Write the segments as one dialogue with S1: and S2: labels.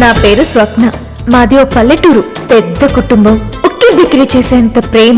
S1: నా పేరు స్వప్న. మాది ఓ పల్లెటూరు. పెద్ద కుటుంబం. ఉక్కి బిక్రీ చేసేంత ప్రేమ.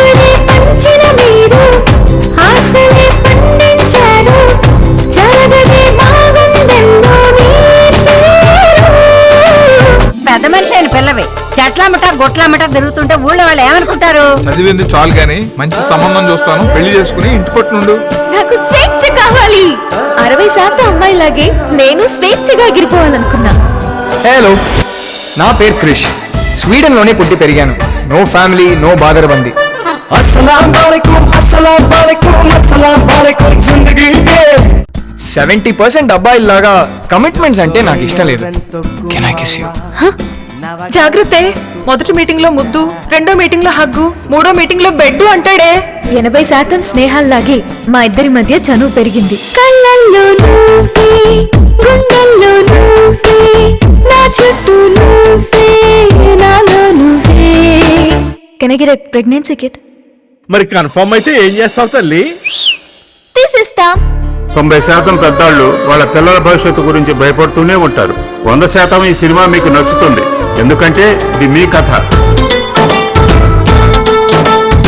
S2: పెద్ద మనిషి అయిన పిల్లవి చెట్లమ్మట గొట్లమ్మట తిరుగుతుంటే ఊళ్ళో వాళ్ళు ఏమనుకుంటారు?
S3: చదివింది చాలు గాని మంచి సంబంధం చూస్తాను, పెళ్లి చేసుకుని ఇంటి పట్టునుండు.
S1: నాకు స్వేచ్ఛ కావాలి. 60% అమ్మాయిలాగే నేను స్వేచ్ఛగా ఎగిరిపోవాలనుకున్నా.
S4: హలో, నా పేరు క్రిష్. స్వీడన్ లోనే పుట్టి పెరిగాను. నో ఫ్యామిలీ, నో బాదరబంది. 70% అబ్బాయిల్లాగా కమిట్మెంట్స్ అంటే నాకు ఇష్టం లేదు. Can I kiss you?
S5: జాగ్రత్త. మొదటి మీటింగ్ లో ముద్దు, రెండో మీటింగ్ లో హగ్గు, మూడో మీటింగ్ లో బెడ్ అంటాడే.
S1: 80% స్నేహాల్లాగే మా ఇద్దరి మధ్య చనువు పెరిగింది. Can I get a pregnancy kit?
S6: మరి కన్ఫర్మ్ అయితే ఏం చేస్తావు తల్లి?
S1: తీసిస్తా.
S7: 90% పెద్దాళ్ళు వాళ్ళ పిల్లల భవిష్యత్తు గురించి భయపడుతూనే ఉంటారు. 100% ఈ సినిమా మీకు నచ్చుతుంది, ఎందుకంటే ఇది మీ కథ.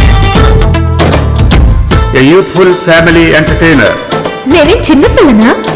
S7: A youthful family entertainer.
S1: నేనే చిన్నపిల్లనా?